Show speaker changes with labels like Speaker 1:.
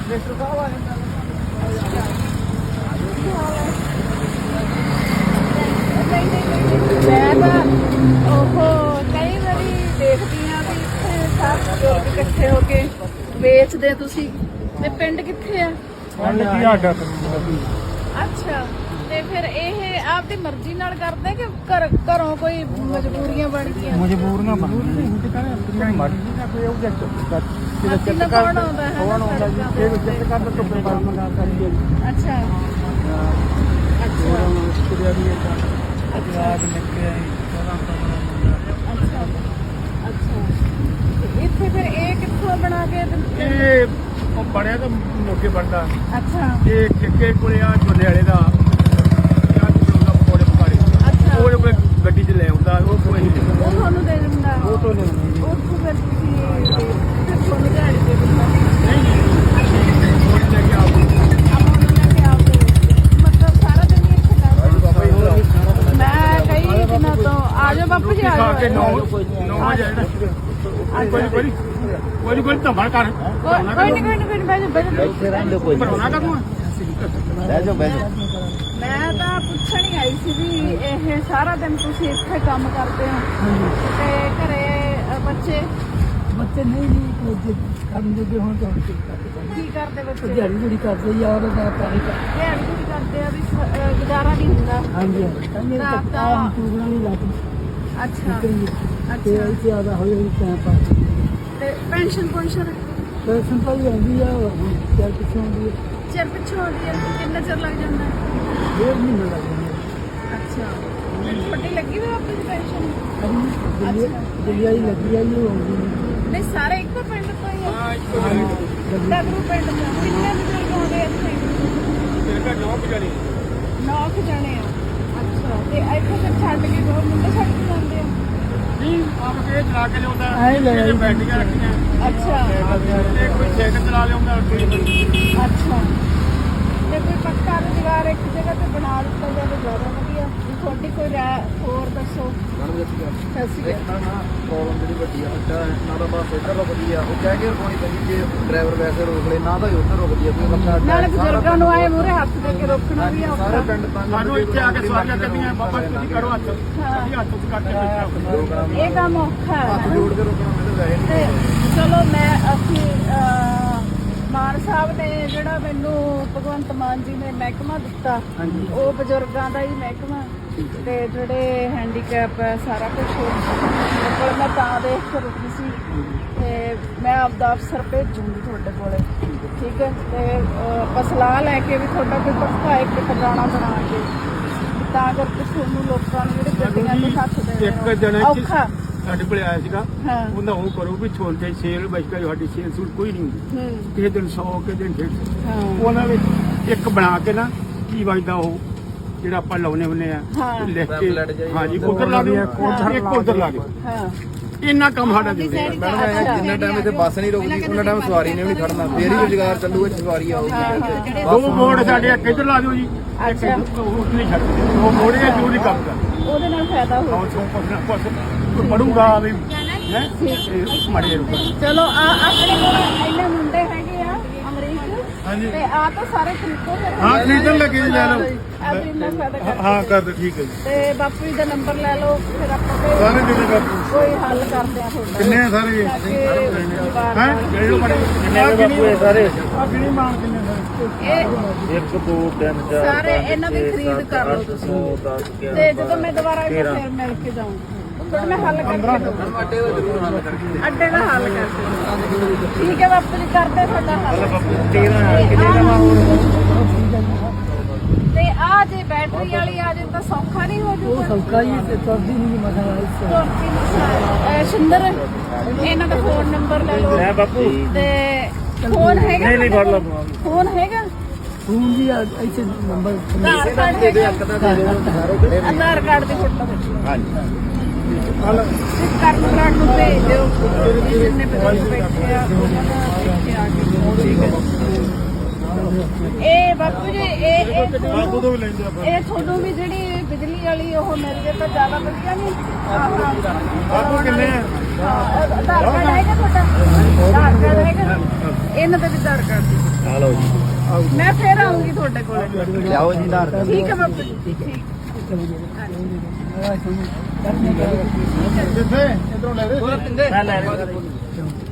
Speaker 1: ਕਈ ਵਾਰੀ ਦੇਖਦੀ ਆ ਵੀ ਇੱਥੇ ਸਭ ਬਜ਼ੁਰਗ ਇਕੱਠੇ ਹੋ ਕੇ ਵੇਚਦੇ ਤੁਸੀਂ ਤੇ ਪਿੰਡ ਕਿੱਥੇ ਆ? ਅੱਛਾ, ਤੇ ਫਿਰ ਇਹ ਆਪਦੀ ਮਰਜ਼ੀ ਨਾਲ ਕਰਦੇ ਕਿ ਘਰੋਂ ਕੋਈ ਮਜਬੂਰੀਆਂ ਬਣ ਗਈਆਂ?
Speaker 2: ਮਜਬੂਰੀਆਂ ਬਣ ਗਈਆਂ
Speaker 1: ਕੌਣ ਆਉਂਦਾ ਹੈ? ਅੱਛਾ ਇੱਥੇ ਫਿਰ ਇਹ ਕਿੱਥੋਂ ਬਣਾ ਕੇ
Speaker 2: ਇਹ ਬਣਿਆ ਤਾਂ ਮੋਗੇ ਬਣਦਾ।
Speaker 1: ਅੱਛਾ,
Speaker 2: ਇਹ ਠੇਕੇ ਕੋਲੇ ਆ ਝੋਨੇ ਵਾਲੇ ਦਾ ਪਕੌੜੇ ਪਕਾੜੇ ਉਹ ਕੋਲੇ ਗੱਡੀ 'ਚ ਲੈ ਆਉਂਦਾ ਉਹ ਕੋਈ
Speaker 1: ਉਹ ਤੁਹਾਨੂੰ ਦੇ ਦਿੰਦਾ?
Speaker 2: ਉਹ ਤੋਂ ਨਹੀਂ
Speaker 1: ਉੱਥੋਂ ਫਿਰ ਤੁਸੀਂ ਤੁਹਾਨੂੰ ਦਿਹਾੜੀ ਦੇ ਦਿੰਦਾ?
Speaker 2: ਲੈ ਕੇ ਆਉਂਦੇ
Speaker 1: ਮਤਲਬ ਸਾਰਾ ਦਿਨ ਹੀ ਇੱਥੇ ਕਰਦੇ? ਮੈਂ ਕਈ ਦਿਨਾਂ ਤੋਂ ਆ ਜਾਓ ਬਾਪੂ ਜੀ, ਆ ਜਾਓ।
Speaker 2: 9 ਵਜੇ ਕੋਈ ਧੰਬੜ ਕਰ
Speaker 1: ਕੋਈ ਨਹੀਂ
Speaker 2: ਭਰੋਣਾ ਕਰ ਤੂੰ
Speaker 1: ਮੈਂ ਤਾਂ ਪੁੱਛਣ ਹੀ ਆਈ ਸੀ ਵੀ ਇਹ ਸਾਰਾ ਦਿਨ ਤੁਸੀਂ ਇੱਥੇ ਕੰਮ ਕਰਦੇ ਹੋ ਤੇ ਘਰੇ ਬੱਚੇ
Speaker 3: ਨਹੀਂ ਕੰਮ ਜੋਗੇ ਹੋਣ ਤਾਂ
Speaker 1: ਕੀ ਕਰਦੇ? ਬੱਚੇ
Speaker 3: ਦਿਹਾੜੀ ਕਰਦੇ ਯਾਰ ਦਾ ਪਾਣੀ
Speaker 1: ਦਿਹਾੜੀ ਕਰਦੇ ਆ ਵੀ ਗੁਜ਼ਾਰਾ ਨਹੀਂ ਹੁੰਦਾ।
Speaker 3: ਹਾਂਜੀ
Speaker 1: ਤਾਂ
Speaker 3: ਪੂਰਾ ਨਹੀਂ ਲੱਗਦਾ।
Speaker 1: ਅੱਛਾ
Speaker 3: ਤੇ
Speaker 1: ਅੱਛਾ,
Speaker 3: ਇਹ ਜ਼ਿਆਦਾ ਹੋਈ ਟਾਈਮ ਪਾਸ
Speaker 1: ਤੇ ਪੈਨਸ਼ਨ
Speaker 3: ਪੈਸੇ ਪਾਈ ਆਉਂਦੀ ਆ ਚਾਰ ਪਿੱਛੋਂ ਆਉਂਦੀ ਹੈ
Speaker 1: ਚਿਰ ਪਿੱਛੋਂ ਆਉਂਦੀ ਹੈ? ਕਿੰਨਾ ਚਿਰ ਲੱਗ ਜਾਂਦਾ?
Speaker 3: 1.5 ਮਹੀਨਾ ਲੱਗ ਜਾਂਦਾ।
Speaker 1: ਅੱਛਾ, ਤੁਹਾਡੀ ਲੱਗੀ ਹੋਈ ਆਪਣੀ ਪੈਨਸ਼ਨ?
Speaker 3: ਦਿੱਲੀ ਲੱਗੀ ਆ ਉਹ ਆਉਂਦੀ
Speaker 1: ਨਹੀਂ, ਸਾਰੇ ਇੱਕੋ ਪਿੰਡ ਤੋਂ ਹੀ ਆ? ਡਗਰੂ ਪਿੰਡ ਤੋਂ ਕਿੰਨੇ ਬਜ਼ੁਰਗ ਆਉਂਦੇ ਇੱਥੇ? 9 ਜਣੇ ਆ। ਅੱਛਾ, ਤੇ ਇੱਥੇ ਫਿਰ ਛੱਡ ਕੇ ਦੋ ਮੁੰਡੇ ਛੱਡ ਕੇ ਜਾਂਦੇ ਆ?
Speaker 2: ਨਹੀਂ ਆਪ ਕੇ ਚਲਾ ਕੇ ਲਿਆਉਂਦਾ
Speaker 3: ਲੈ
Speaker 2: ਬੈਟਰੀਆਂ ਰੱਖੀਆਂ
Speaker 1: ਅੱਛਾ
Speaker 2: ਤੇ ਕੋਈ ਸਾਈਕਲ ਚਲਾ ਲਿਆਉਂਦਾ
Speaker 1: ਅੱਛਾ, ਤੇ ਕੋਈ ਪੱਕਾ ਰੁਜ਼ਗਾਰ ਇੱਕ ਜਗ੍ਹਾ ਤੇ ਬਣਾ ਦਿੱਤਾ ਜਾਵੇ ਜ਼ਿਆਦਾ ਵਧੀਆ। ਤੁਹਾਡੀ ਕੋਈ ਰਾਏ ਹੋਰ ਦੱਸੋ। ਸਤਿ ਸ਼੍ਰੀ ਅਕਾਲ।
Speaker 4: ਪ੍ਰੋਬਲਮ ਜਿਹੜੀ ਵੱਡੀ ਆ ਨਾ ਤਾਂ ਬਸ ਇੱਧਰ ਦਾ ਵਧੀਆ ਉਹ ਕਹਿ ਕੇ ਰੁਕਣੀ ਪੈਂਦੀ ਜੇ ਡਰਾਈਵਰ ਵੈਸੇ ਰੋਕ ਲੈ ਨਾ ਤਾਂ ਉੱਧਰ ਰੁਕਦੀ ਆ ਕੋਈ ਬੰਦਾ
Speaker 1: ਨਾਲੇ ਬਜ਼ੁਰਗਾਂ ਨੂੰ ਆਏ ਮੂਹਰੇ ਹੱਥ ਦੇ ਕੇ ਰੋਕਣਾ ਵੀ ਔਖਾ।
Speaker 4: ਸਾਰੇ ਪਿੰਡ ਤਾਂ
Speaker 2: ਸਾਨੂੰ ਇੱਥੇ ਆ ਕੇ ਸਵਾਰੀਆਂ ਕਰਦੀਆਂ ਬਾਬਾ ਤੁਸੀਂ ਕਰੋ ਹੱਥ ਅਸੀਂ ਹੱਥ ਚ ਕੱਟ ਕੇ ਬੈਠਾ
Speaker 1: ਇਹ ਕੰਮ ਔਖਾ
Speaker 4: ਹੱਥ
Speaker 1: ਹੈ।
Speaker 4: ਜੋੜ ਕੇ ਰੁਕਣਾ ਮੈਨੂੰ ਵੈਸੇ ਨਹੀਂ
Speaker 1: ਤੇ ਚਲੋ ਅਸੀਂ ਮਾਨ ਸਾਹਿਬ ਨੇ ਜਿਹੜਾ ਮੈਨੂੰ ਭਗਵੰਤ ਮਾਨ ਜੀ ਨੇ ਮਹਿਕਮਾ ਦਿੱਤਾ ਉਹ ਬਜ਼ੁਰਗਾਂ ਦਾ ਹੀ ਮਹਿਕਮਾ ਤੇ ਜਿਹੜੇ ਹੈਂਡੀਕੈਪ ਹੈ ਸਾਰਾ ਕੁਝ ਕੋਲ ਮੈਂ ਤਾਂ ਦੇਖ ਕੇ ਰੁਕੀ ਸੀ ਤੇ ਮੈਂ ਆਪਦਾ ਅਫਸਰ ਭੇਜੂੰਗੀ ਤੁਹਾਡੇ ਕੋਲੇ, ਠੀਕ ਹੈ? ਤੇ ਸਲਾਹ ਲੈ ਕੇ ਵੀ ਤੁਹਾਡਾ ਕੋਈ ਪੱਕਾ ਇੱਕ ਟਿਕਾਣਾ ਬਣਾ ਕੇ ਤਾਂ ਕਰਕੇ ਤੁਹਾਨੂੰ ਲੋਕਾਂ ਨੂੰ ਜਿਹੜੇ ਗੱਡੀਆਂ ਤੇ ਹੱਥ
Speaker 2: ਇੱਕ ਜਣਾ
Speaker 1: ਦੇਣਾ ਔਖਾ।
Speaker 2: ਸਾਡੇ ਕੋਲ ਆਇਆ ਸੀਗਾ
Speaker 1: ਹਾਂ।
Speaker 2: ਉਹਦਾ ਉਹ ਕਰੋ ਵੀ ਛੋਲਦੇ ਸੇਲ ਬਚਦਾ ਸਾਡੀ ਸੇਲ ਸੂਲ ਕੋਈ ਨਹੀਂ ਹੁੰਦੀ ਕਿਸੇ ਦਿਨ 100 ਕਿਸੇ ਦਿਨ 150
Speaker 1: ਹਾਂ
Speaker 2: ਉਹਨਾਂ ਵਿੱਚ ਇੱਕ ਬਣਾ ਕੇ ਨਾ ਕੀ ਵਜਦਾ ਉਹ ਜਿਹੜਾ ਆਪਾਂ ਲਾਉਨੇ ਹੁੰਨੇ ਆ
Speaker 1: ਹਾਂ।
Speaker 2: ਲਿਖ ਕੇ ਹਾਂਜੀ ਉਧਰ ਲਾ ਦਿਓ ਇੱਕ ਉਧਰ ਲਾ ਦਿਓ
Speaker 1: ਹਾਂ
Speaker 2: ਇੰਨਾ ਕੰਮ ਸਾਡਾ ਦੇ
Speaker 4: ਮੈਡਮ ਜਿੰਨਾ ਟਾਈਮ ਇੱਥੇ ਬੱਸ ਨਹੀਂ ਰੁਕਦੀ ਉਹਨਾਂ ਟਾਈਮ ਸਵਾਰੀ ਨੇ ਵੀ ਨਹੀਂ ਖੜਨਾ ਫੇਰ ਹੀ ਰੁਜ਼ਗਾਰ ਚੱਲੂਗਾ ਸਵਾਰੀ ਆਊਗੀ।
Speaker 2: ਦੋ ਮੋੜ ਸਾਡੇ ਇੱਕ ਇੱਧਰ ਲਾ ਦਿਓ ਜੀ ਇੱਕ ਉੱਧਰ ਨਹੀਂ ਛੱਡਦੇ ਦੋ ਮੋੜੀਆਂ ਜ਼ਰੂਰੀ ਕੰਮ ਕਰ
Speaker 1: ਉਹਦੇ ਨਾਲ ਫਾਇਦਾ ਹੋ।
Speaker 2: ਪੜੂਗਾ ਵੀ ਹੈ ਮਾੜੇ ਰੁਕ
Speaker 1: ਚਲੋ ਆਪਣੇ ਕੋਲ ਇੰਨੇ ਮੁੰਡੇ ਹੈਗੇ ਆ ਅਮਰੀਕ ਤੇ ਆ ਤਾਂ ਸਾਰੇ ਖਰੀਦੋ ਫਿਰ।
Speaker 2: ਹਾਂ ਖਰੀਦਣ ਲੱਗੇ ਜੀ ਲੈ ਲਓ
Speaker 1: ਆਪਣੀ ਇੰਨਾ ਫਾਇਦਾ ਕਰ।
Speaker 2: ਹਾਂ ਕਰ ਦੋ ਠੀਕ ਹੈ ਜੀ
Speaker 1: ਤੇ ਬਾਪੂ ਜੀ ਦਾ ਨੰਬਰ ਲੈ ਲਓ ਫਿਰ ਆਪਾਂ
Speaker 2: ਸਾਰੇ ਕਿੰਨੇ ਕਰ
Speaker 1: ਕੋਈ ਹੱਲ ਕਰਦੇ ਆ ਤੁਹਾਡਾ।
Speaker 2: ਕਿੰਨੇ ਆ ਸਾਰੇ ਹੈ ਜਿਹੜੇ ਬੜੇ ਕਿੰਨੇ ਸਾਰੇ ਆ ਕਿੰਨੀ ਮਾਂ ਕਿੰਨੇ ਸਾਰੇ
Speaker 1: ਇਹ
Speaker 4: 1 2 3 4
Speaker 1: ਸਾਰੇ ਇਹਨਾਂ ਦੀ ਖਰੀਦ ਕਰ ਲਓ ਤੁਸੀਂ ਤੇ ਜਦੋਂ ਮੈਂ ਦੁਬਾਰਾ ਇੱਥੇ ਫਿਰ ਮਿਲ ਕੇ ਜਾਊਂਗੀ ਫਿਰ ਮੈਂ ਹੱਲ ਕਰਕੇ ਦਊਂਗੀ।
Speaker 4: ਅੱਡੇ ਦਾ ਜ਼ਰੂਰ ਹੱਲ ਕਰਕੇ
Speaker 1: ਅੱਡੇ ਦਾ ਹੱਲ ਕਰਕੇ ਠੀਕ ਹੈ ਬਾਪੂ ਜੀ ਕਰਦੇ ਤੁਹਾਡਾ ਹੱਲ। ਤੇ ਆ ਜੇ ਬੈਟਰੀ ਵਾਲੀ ਆ ਜੇ ਤਾਂ ਸੌਖਾ ਨਹੀਂ ਹੋ ਜੂਗਾ?
Speaker 3: ਸੌਕਾ ਹੀ ਤੇ ਤੁਰਦੀ ਨਹੀਂ ਮਸਲਾ
Speaker 1: ਸੁੰਦਰ ਇਹਨਾਂ ਦਾ ਫੋਨ ਨੰਬਰ ਲੈ ਲਓ।
Speaker 2: ਲੈ ਬਾਪੂ
Speaker 1: ਤੇ ਫੋਨ ਹੈਗਾ?
Speaker 2: ਨਹੀਂ ਫੜ ਲਓ
Speaker 1: ਫੋਨ ਹੈਗਾ?
Speaker 3: ਫੋਨ ਦੀ ਇੱਥੇ ਨੰਬਰ
Speaker 1: ਆਧਾਰ ਕਾਰਡ
Speaker 4: ਦੇ ਦੇ
Speaker 1: ਹੈਗਾ?
Speaker 4: ਇੱਕ ਤਾਂ ਦੇ ਦਿਓ ਸਾਰੇ ਖੜੇ ਨੇ।
Speaker 1: ਆਧਾਰ ਕਾਰਡ ਦੀ ਫੋਟੋ
Speaker 2: ਹਾਂਜੀ
Speaker 1: ਕਰਨ ਨੂੰ ਭੇਜ ਦਿਓ ਜਿੰਨੇ ਬਜ਼ੁਰਗ ਬੈਠੇ ਆ ਉਹਨਾਂ ਦਾ ਇੱਥੇ ਆ ਕੇ। ਠੀਕ ਹੈ। ਇਹ ਬਾਪੂ ਜੀ ਇਹ
Speaker 2: ਤੋਂ ਵੀ ਲੈਂਦੇ ਆਪਾਂ
Speaker 1: ਇਹ ਤੁਹਾਨੂੰ ਵੀ ਜਿਹੜੀ ਬਿਜਲੀ ਵਾਲੀ ਉਹ ਮਿਲ ਜੇ ਤਾਂ ਜ਼ਿਆਦਾ ਵਧੀਆ ਨਹੀਂ?
Speaker 2: ਬਾਪੂ ਕਿੰਨੇ ਆ
Speaker 1: ਆਧਾਰ ਕਾਰਡ ਹੈਗਾ ਤੁਹਾਡਾ? ਆਧਾਰ ਕਾਰਡ ਹੈਗਾ? ਇਹਨਾਂ ਦਾ ਵੀ ਆਧਾਰ ਕਾਰਡ ਦੀ।
Speaker 4: ਆ ਲਓ ਜੀ
Speaker 1: ਮੈਂ ਫੇਰ ਆਉਂਗੀ ਤੁਹਾਡੇ ਕੋਲ।
Speaker 4: ਲਿਆਓ ਜੀ ਆਧਾਰ ਕਾਰਡ
Speaker 1: ਠੀਕ ਹੈ ਬਾਪੂ ਜੀ ਠੀਕ।
Speaker 3: ਕਿੱਥੇ ਇਧਰੋਂ ਲੈ ਰਹੇ
Speaker 4: ਮੈਂ ਲੈ ਰਿਹਾ